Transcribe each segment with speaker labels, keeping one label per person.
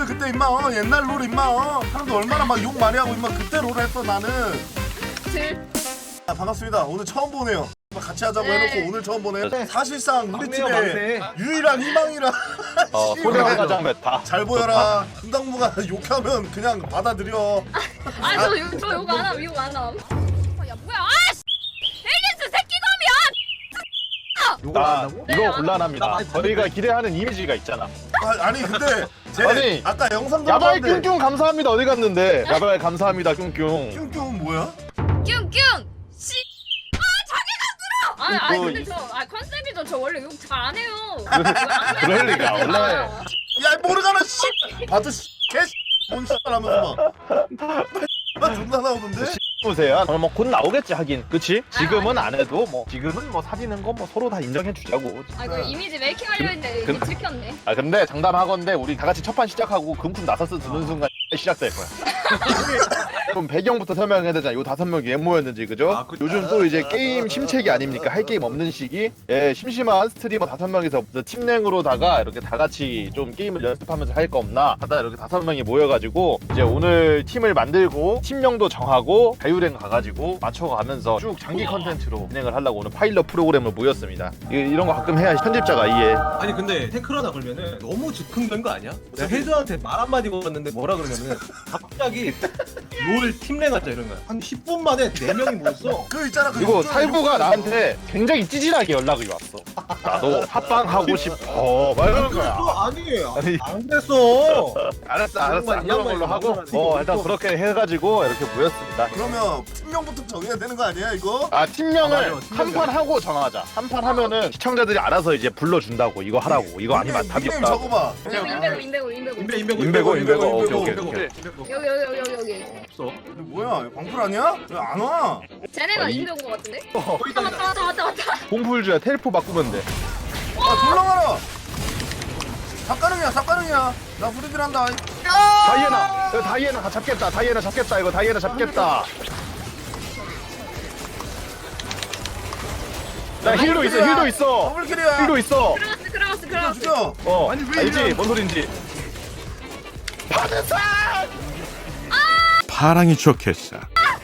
Speaker 1: 그때 임마 옛날 롤 임마 사람들 얼마나 막 욕 많이 하고 임마 그때 롤 했어 나는. 반갑습니다. 오늘 처음 보네요. 같이 하자고 해놓고 오늘 처음 보네. 사실상 우리 팀의 유일한 희망이라.
Speaker 2: 소량 가장 메타.
Speaker 1: 잘 보여라. 분당무가 욕하면 그냥 받아들여.
Speaker 3: 저 욕 안 함. 욕 안 함. 야 뭐야? 아씨! 에이스 새끼놈이야!
Speaker 2: 나 이거 곤란합니다. 저희가 기대하는 이미지가 있잖아.
Speaker 1: 아니 근데 제
Speaker 2: 아니,
Speaker 1: 아까 영상
Speaker 2: 야바이
Speaker 1: 들어봤는데
Speaker 2: 뀨뀨 감사합니다. 어디 갔는데? 야바이 감사합니다. 뀨뀨.
Speaker 1: 뀨뀨은 뭐야?
Speaker 3: 뀨뀨! 씨! 자기가 들어! 근데 컨셉이죠. 저 원래 욕 잘 안 해요.
Speaker 2: 그럴 리가. 원래
Speaker 1: 야 모르잖아 씨. 봐도 씨. 개씨. 뭔 씨발 하면서 막 존나 나오던데?
Speaker 2: 보세요. 뭐곧 나오겠지 하긴. 그치? 지금은 안 해도 뭐 지금은 뭐 사귀는 거 뭐 서로 다 인정해 주자고.
Speaker 3: 이거 이미지 메이킹 하려 했는데 이게 들켰네.
Speaker 2: 근데 장담하건대 우리 다 같이 첫판 시작하고 금품 나서스 드는 순간 시작될 거야. 그럼 배경부터 설명해야 되잖아. 요 5명이 왜 모였는지 그죠? 요즘 또 이제 게임 심책이 아닙니까? 할 게임 없는 시기. 예, 심심한 스트리머 5명이서 팀랭으로다가 이렇게 다 같이 좀 게임을 연습하면서 할 거 없나 하다 이렇게 5명이 모여가지고 이제 오늘 팀을 만들고 팀명도 정하고 자유랭 가가지고 맞춰가면서 쭉 장기 컨텐츠로 진행을 하려고 오늘 파일럿 프로그램을 모였습니다. 이런 거 가끔 해야 편집자가 이해.
Speaker 4: 아니 근데 태클하다 걸면은 너무 즉흥된 거 아니야? 내가 헤드한테 말 한마디 걸었는데 뭐라 그러냐면은 갑자기 롤 팀랭 하자 이런 거야. 한 10분 만에 4명이 모였어.
Speaker 1: 그 있잖아 그
Speaker 2: 그리고
Speaker 1: 욕조에
Speaker 2: 살구가 나한테 굉장히 찌질하게 연락이 왔어. 나도 합방 하고 싶어. 막 이러는 거야.
Speaker 4: 아니 안 그랬어.
Speaker 2: 알았어
Speaker 4: 이
Speaker 2: 안 그런 걸로
Speaker 4: 양반이
Speaker 2: 하고
Speaker 4: 양반이
Speaker 2: 일단 그렇게 해가지고 이렇게 모였습니다.
Speaker 1: 그러면 팀명부터 정해야 되는 거 아니야 이거?
Speaker 2: 팀명을
Speaker 4: 맞아,
Speaker 2: 한 판 하고 정하자. 한 판 하면은 시청자들이 알아서 이제 불러준다고 이거 하라고 이거 아니면 답이
Speaker 1: 닉네임
Speaker 2: 없다.
Speaker 1: 적어봐.
Speaker 3: 인베고.
Speaker 2: 인베고. 오케이.
Speaker 3: 여기.
Speaker 4: 없어.
Speaker 1: 근데 뭐야 광풀 아니야? 왜 안 와?
Speaker 3: 쟤네가 인베인 거 같은데? 왔다.
Speaker 2: 공풀주야 텔포 바꾸면 돼.
Speaker 1: 아 졸라가라. 삭가능이야. 나 프리딜 한다.
Speaker 2: 다이애나 이거 다이애나 잡겠다. 다이애나 잡겠다. 이거 다이애나 잡겠다. 나 힐도 있어.
Speaker 1: 더블킬이야.
Speaker 2: 힐도 있어.
Speaker 3: 크라우스.
Speaker 1: 죽여. 아니, 왜
Speaker 2: 알지?
Speaker 1: 이래?
Speaker 2: 뭔 소린지.
Speaker 5: 파랑이 좋겠어.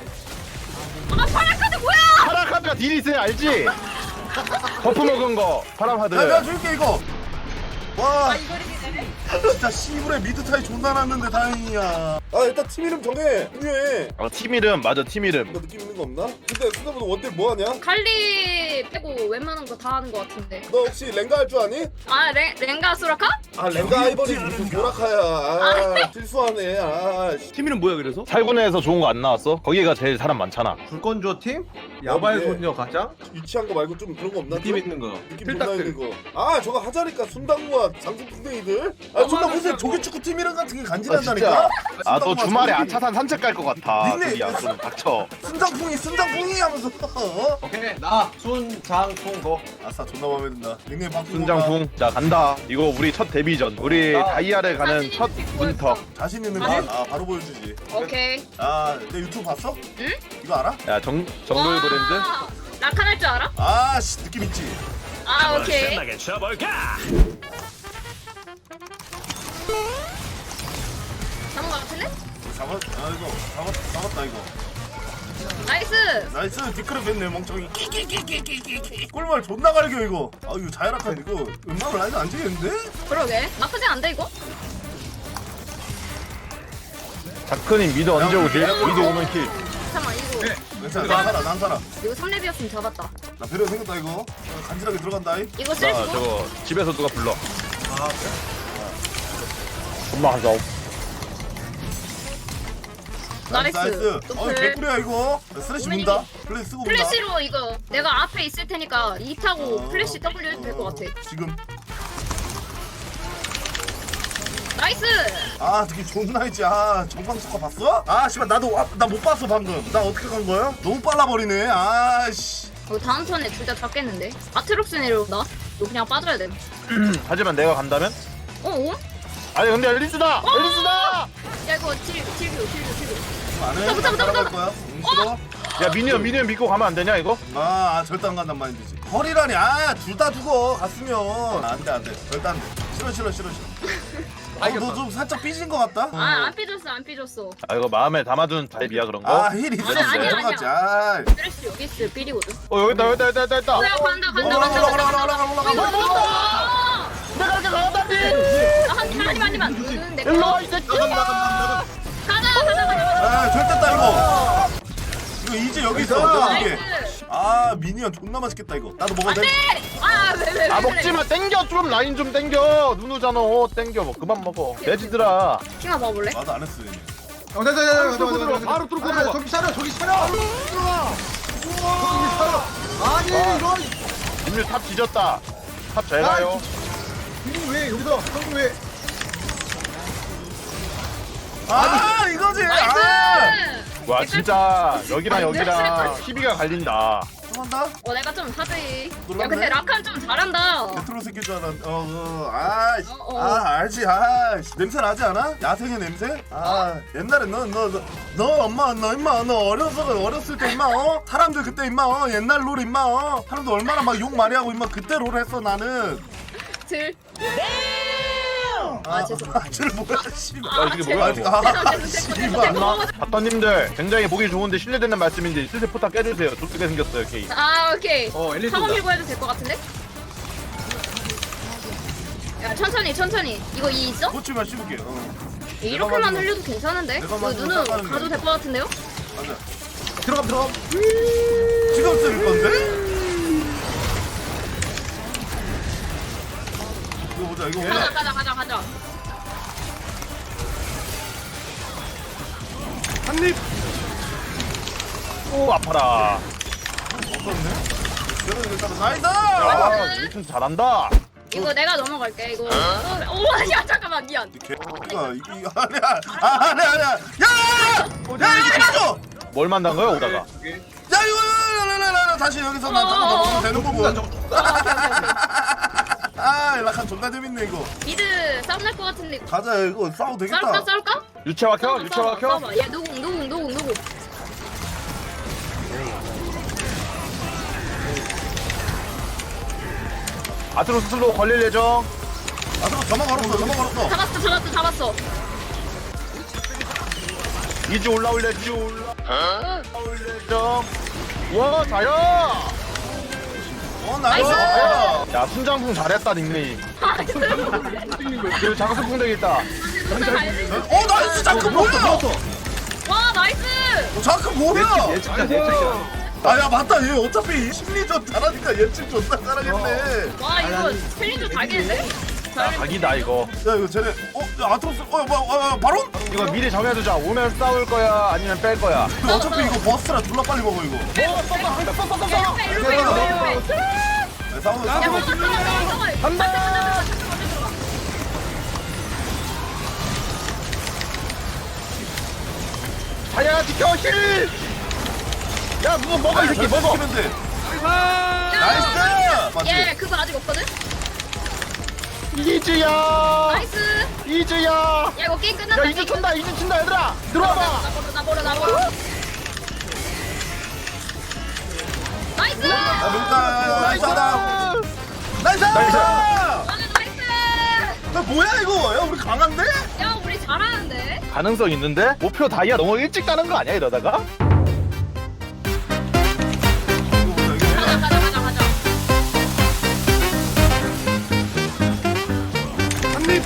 Speaker 3: 파라카드 뭐야?
Speaker 2: 파라카드가 딜이 있어야 알지? 버프 먹은 거 파라카드.
Speaker 1: 야 내가 줄게 이거. 와
Speaker 3: 이거리네.
Speaker 1: 진짜 씨부레 미드 타이 존나 났는데 다행이야. 아 일단 팀 이름 정해. 중요해.
Speaker 2: 팀 이름 맞아 팀 이름.
Speaker 1: 너 느낌 있는 거 없나? 근데 수다보다 원딜 뭐 하냐?
Speaker 3: 칼리 빼고 웬만한 거 다 하는 거 같은데.
Speaker 1: 너 혹시 랭가 할 줄 아니?
Speaker 3: 랭가 수라카?
Speaker 1: 아 랭가 아이버리 무슨 보라카야. 아 실수하네. 아 씨.
Speaker 4: 팀 이름 뭐야 그래서?
Speaker 2: 살구네에서 좋은 거 안 나왔어? 거기가 제일 사람 많잖아.
Speaker 4: 불건조 팀? 야바이
Speaker 1: 어디에?
Speaker 4: 소녀 가장?
Speaker 1: 유치한 거 말고 좀 그런 거 없나?
Speaker 4: 느낌 있는 거.
Speaker 1: 느낌 존나 있는 거. 아 저거 하자니까 순당무와 장수풍뎅이들. 아 존나 무슨 조개축구 팀 이름 같은 게 간지난다니까.
Speaker 2: 아 너
Speaker 1: 순당무와
Speaker 2: 주말에
Speaker 1: 장수풍뎅이.
Speaker 2: 아차산 산책 갈 것 같아.
Speaker 1: 닉네임.
Speaker 2: 저기야 좀 닥쳐.
Speaker 1: 순장풍이 하면서
Speaker 4: 오케이 나 순장통고.
Speaker 1: 아싸 존나 마음에 든다. 닉네임 바꾸고
Speaker 2: 순장풍. 자 간다. 이거 우리 첫 데뷔전. 우리 다이아를 가는 첫 문턱.
Speaker 1: 자신 있는 거 바로 보여주지.
Speaker 3: 오케이.
Speaker 1: 아내 유튜브 봤어?
Speaker 3: 응?
Speaker 1: 이거 알아?
Speaker 2: 야 정글 브랜드.
Speaker 3: 낙한 할 줄 알아?
Speaker 1: 아씨 느낌 있지.
Speaker 3: 오케이. 잡은 거 같은데?
Speaker 1: 잡았다 이거.
Speaker 3: 나이스.
Speaker 1: 나이스 뒷그릇 뺐네 멍청이. 꿀말 존나 갈겨 이거. 아 이거 자연악한 이거 음악을 라이드 안 지겠는데?
Speaker 3: 그러게. 나쁘지 않은데 이거?
Speaker 2: 자크님 미드 언제 오지? 미드 오면 킬.
Speaker 3: 잠깐만 이거.
Speaker 1: 괜찮아 난 살아.
Speaker 3: 이거 3렙이었으면 잡았다.
Speaker 1: 나 배려 생겼다 이거. 간지나게 들어간다 이.
Speaker 3: 이거
Speaker 2: 자
Speaker 3: 쓸수
Speaker 2: 저거 집에서 누가 불러. 엄마 한 싸움.
Speaker 3: 나이스.
Speaker 1: 어이 개꿀이야 이거. 스레시 문다. 플래시 쓰고 문다.
Speaker 3: 플래시로 이거 내가 앞에 있을 테니까 E 타고 플래시 W 해도 될 것 같아.
Speaker 1: 지금.
Speaker 3: 나이스.
Speaker 1: 아 되게 존나 있지. 아 정방 스쿼 봤어? 아 씨발 나도 나 못 봤어 방금. 나 어떻게 간 거야? 너무 빨라 버리네. 아씨.
Speaker 3: 다음 턴에 둘 다 잡겠는데? 아트록스 내려온다. 이거 그냥 빠져야 돼.
Speaker 2: 하지만 내가 간다면?
Speaker 3: 어?
Speaker 2: 아니 근데 엘리스다! 엘리스다!
Speaker 3: 야 이거 딜교.
Speaker 1: 안 해.
Speaker 3: 붙어.
Speaker 1: 따라갈 거야. 싫어?
Speaker 2: 야 미니언 믿고 가면 안 되냐 이거?
Speaker 1: 절대 안 간단 마인드지. 허리라니. 둘 다 죽어 갔으면 안돼 절대 안돼. 싫어. 너 좀 살짝 삐진 것 같다.
Speaker 3: 안 삐졌어 안 삐졌어.
Speaker 2: 아 이거 마음에 담아둔 타입이야 그런 거?
Speaker 1: 아 힐 있어.
Speaker 3: 아니야,
Speaker 1: 들어갔지.
Speaker 3: 아니야.
Speaker 1: 아.
Speaker 3: 쓰레쉬 여기 있어 삐리거든.
Speaker 2: 여기 있다 여기 있다 여기 있다.
Speaker 3: 뭐야 간다
Speaker 1: 올라가 올라가.
Speaker 2: 내가 이렇게 나간다니.
Speaker 3: 한이만
Speaker 2: 일로 와 이 새끼야.
Speaker 3: 가자.
Speaker 1: 아 절됐다 이거. 이거 이제 여기 있어. 내가 이게.
Speaker 3: 나이스.
Speaker 1: 아 미니언 존나 맛있겠다 이거. 나도 먹어도 돼?
Speaker 3: 왜?
Speaker 2: 아 먹지마 땡겨 좀 라인 좀 땡겨 누누잖아 땡겨 뭐 그만 먹어 돼지들아.
Speaker 3: 킹아 봐볼래?
Speaker 1: 나도 안 했어. 이미.
Speaker 2: 바로 뚫고
Speaker 4: 아,
Speaker 2: 들어가.
Speaker 4: 저기 차려 저기 차려 아니 이거
Speaker 2: 인류 탑 뒤졌다. 탑 잘 가요.
Speaker 4: 형님 왜 여기서 형님 왜
Speaker 1: 아 이거지. 아.
Speaker 3: 나이스.
Speaker 2: 와 진짜 여기랑
Speaker 3: 아니,
Speaker 2: 여기랑 TV가 갈린다.
Speaker 1: 한다.
Speaker 3: 내가 좀 하지. 야
Speaker 1: 놀랐네.
Speaker 3: 근데 라칸 좀 잘한다.
Speaker 1: 레트로 새끼 줄 알았는데. 아
Speaker 3: 어.
Speaker 1: 알지. 아 냄새 나지 않아? 야생의 냄새? 아 옛날에 너 엄마 너 임마 너 어렸을 때 임마 사람들 그때 임마 옛날 롤 임마 사람들 얼마나 막 욕 많이 하고 임마 그때 롤 했어 나는.
Speaker 3: 들. 죄송.
Speaker 1: 쟤 뭐야 씨발.
Speaker 2: 이게 뭐야 이거.
Speaker 1: 씨발.
Speaker 2: 바터님들 굉장히 보기 좋은데 실례되는 말씀인데 슬슬 포탑 깨주세요. 좋게 생겼어요 케이.
Speaker 3: 오케이.
Speaker 4: 엘리트
Speaker 3: 사고
Speaker 4: 온다.
Speaker 3: 밀고 해도 될 것 같은데? 야 천천히. 이거 이 있어?
Speaker 1: 고치만 씹을게.
Speaker 3: 이렇게만 흘려도 괜찮은데?
Speaker 1: 내가
Speaker 3: 이거
Speaker 1: 만지고
Speaker 3: 눈은
Speaker 1: 닦아는
Speaker 3: 가도
Speaker 1: 거야.
Speaker 3: 될 것 같은데요?
Speaker 1: 맞아.
Speaker 4: 들어감
Speaker 1: 지금 쓸 건데? 이거 보자 이거 보자.
Speaker 3: 가자.
Speaker 1: 한입.
Speaker 2: 오 아파라.
Speaker 1: 없었네. 여러분 일단 나이스.
Speaker 2: 야 유튼 잘한다.
Speaker 3: 이거 내가 넘어갈게. 이거. 야 잠깐만 미안.
Speaker 1: 개가 이게 아니야. 야 이거 맞아.
Speaker 2: 뭘 만난 거야 오다가?
Speaker 1: 야 이거 다시 여기서 나 잠깐 먹으면 되는 거고. 아 라칸 존나 재밌네 이거.
Speaker 3: 미드 싸움 날 것 같은데.
Speaker 1: 가자 이거 싸워도 되겠다.
Speaker 3: 싸울까?
Speaker 2: 유채화 켜? 유채화 켜?
Speaker 3: 싸워봐. 얘 노공.
Speaker 2: 아트로스 슬로우 걸릴 예정.
Speaker 1: 아 잠깐 저만 걸었어.
Speaker 3: 잡았어.
Speaker 2: 이즈 올라올래 이즈 올라올 예정. 와 다야.
Speaker 1: 나이스.
Speaker 2: 야 순장풍 잘했다 닉네임. 그리고 장수풍 되겠다.
Speaker 1: 나이스 자크 뭐야?
Speaker 3: 와 나이스.
Speaker 1: 자크 뭐야?
Speaker 4: 진짜 예측이야
Speaker 1: 아야 맞다 얘 어차피 심리전 잘하니까 예측 존나 잘하겠네.
Speaker 3: 와 이거 챌린저 달겠는데?
Speaker 2: 야 각이다 이거.
Speaker 1: 야 이거 쟤네 야, 아트로스 바론?
Speaker 2: 이거 미리 정해두자. 오면 싸울 거야 아니면 뺄 거야.
Speaker 1: 어차피 이거 버스라 졸라 빨리 먹어 이거.
Speaker 3: 일로 와.
Speaker 1: 야, 싸워.
Speaker 2: 간다. 자야 지켜 힐. 야 누구 먹어 이 새끼 먹어.
Speaker 1: 시키면 돼. 나이스. 맞지?
Speaker 3: 얘 그거 아직 없거든?
Speaker 2: 이즈야.
Speaker 3: 나이스.
Speaker 2: 이즈야.
Speaker 3: 야 이거 게임 끝났다.
Speaker 2: 야 이즈 춘다 이즈 춘다 얘들아 들어와봐.
Speaker 3: 나 버려. 나이스.
Speaker 1: 나이스. 나이스.
Speaker 2: 나이스.
Speaker 1: 야 뭐야 이거? 야 우리 강한데?
Speaker 3: 야 우리 잘하는데?
Speaker 2: 가능성 있는데? 목표 다이아 너무 일찍 가는 거 아니야 이러다가?
Speaker 1: 이거 보자 이게.
Speaker 3: 가자.
Speaker 1: 한입.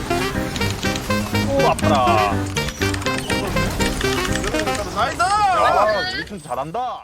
Speaker 2: 오 아파라.
Speaker 1: 나이스.
Speaker 2: 야 유튼 잘한다.